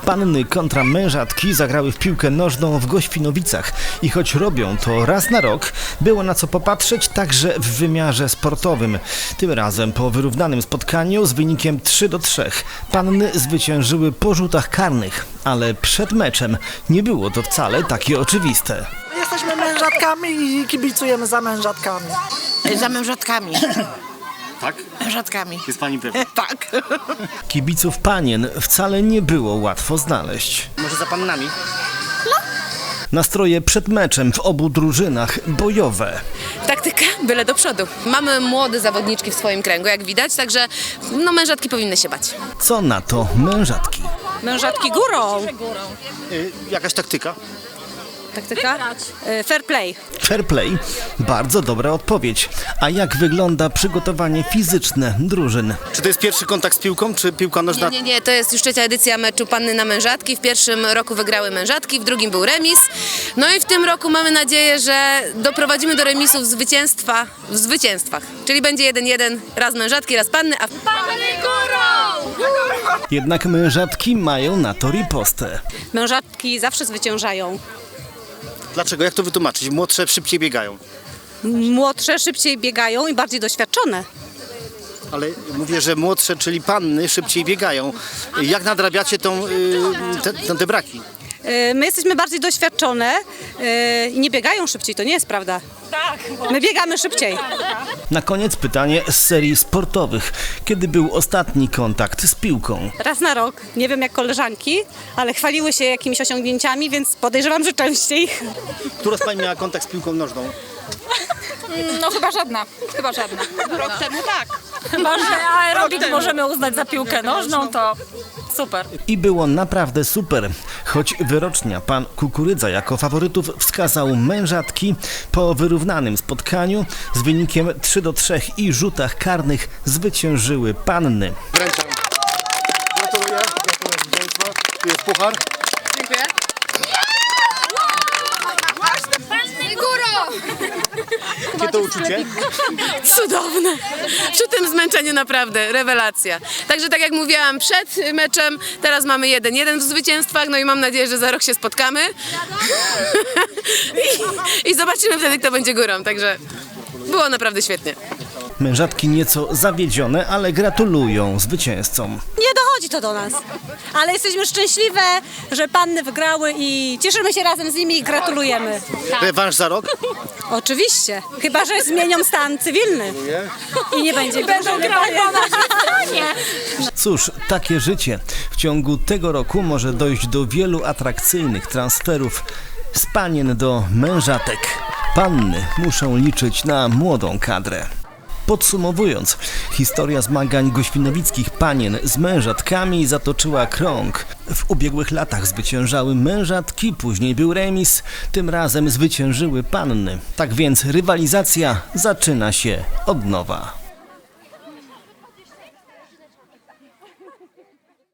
Panny kontra mężatki zagrały w piłkę nożną w Goświnowicach i choć robią to raz na rok, było na co popatrzeć także w wymiarze sportowym. Tym razem po wyrównanym spotkaniu z wynikiem 3-3 panny zwyciężyły po rzutach karnych, ale przed meczem nie było to wcale takie oczywiste. Jesteśmy mężatkami i kibicujemy za mężatkami. Za mężatkami. Tak? Mężatkami. Jest pani pewna? Tak. Kibiców panien wcale nie było łatwo znaleźć. Może za pannami? Nastroje przed meczem w obu drużynach bojowe. Taktyka, byle do przodu. Mamy młode zawodniczki w swoim kręgu, jak widać, także mężatki powinny się bać. Co na to mężatki? Mężatki górą. Jakaś taktyka? Taktyka? Fair play. Fair play? Bardzo dobra odpowiedź. A jak wygląda przygotowanie fizyczne drużyn? Czy to jest pierwszy kontakt z piłką, czy piłka nożna? Nie, to jest już trzecia edycja meczu panny na mężatki. W pierwszym roku wygrały mężatki, w drugim był remis. No i w tym roku mamy nadzieję, że doprowadzimy do remisu w zwycięstwach. Czyli będzie 1-1, raz mężatki, raz panny, a panny górą! Jednak mężatki mają na to ripostę. Mężatki zawsze zwyciężają. Dlaczego? Jak to wytłumaczyć? Młodsze szybciej biegają. Młodsze szybciej biegają i bardziej doświadczone. Ale mówię, że młodsze, czyli panny, szybciej biegają. Jak nadrabiacie te braki? My jesteśmy bardziej doświadczone i nie biegają szybciej, to nie jest prawda. Tak. My biegamy szybciej. Na koniec pytanie z serii sportowych. Kiedy był ostatni kontakt z piłką? Raz na rok, nie wiem jak koleżanki, ale chwaliły się jakimiś osiągnięciami, więc podejrzewam, że częściej. Która z pań miała kontakt z piłką nożną? No chyba żadna. Rok temu tak. Chyba, że aerobik możemy uznać za piłkę nożną, to super. I było naprawdę super. Choć wyrocznia pan Kukurydza jako faworytów wskazał mężatki, po wyrównanym spotkaniu z wynikiem 3-3 i rzutach karnych zwyciężyły panny. Wręczam. Gratuluję zwycięstwa. Tu jest puchar. Dziękuję. Panny górą! Jakie to uczucie? Cudowne. Przy tym zmęczeniu naprawdę, rewelacja. Także tak jak mówiłam przed meczem, teraz mamy 1-1 w zwycięstwach, no i mam nadzieję, że za rok się spotkamy. I zobaczymy wtedy, kto będzie górą, także było naprawdę świetnie. Mężatki nieco zawiedzione, ale gratulują zwycięzcom. Nie dochodzi to do nas, ale jesteśmy szczęśliwe, że panny wygrały i cieszymy się razem z nimi i gratulujemy. Rewanż za rok? Oczywiście, chyba że zmienią stan cywilny i nie będzie. Będą grały po naszej stronie. Cóż, takie życie. W ciągu tego roku może dojść do wielu atrakcyjnych transferów z panien do mężatek. Panny muszą liczyć na młodą kadrę. Podsumowując, historia zmagań goświnowickich panien z mężatkami zatoczyła krąg. W ubiegłych latach zwyciężały mężatki, później był remis, tym razem zwyciężyły panny. Tak więc rywalizacja zaczyna się od nowa.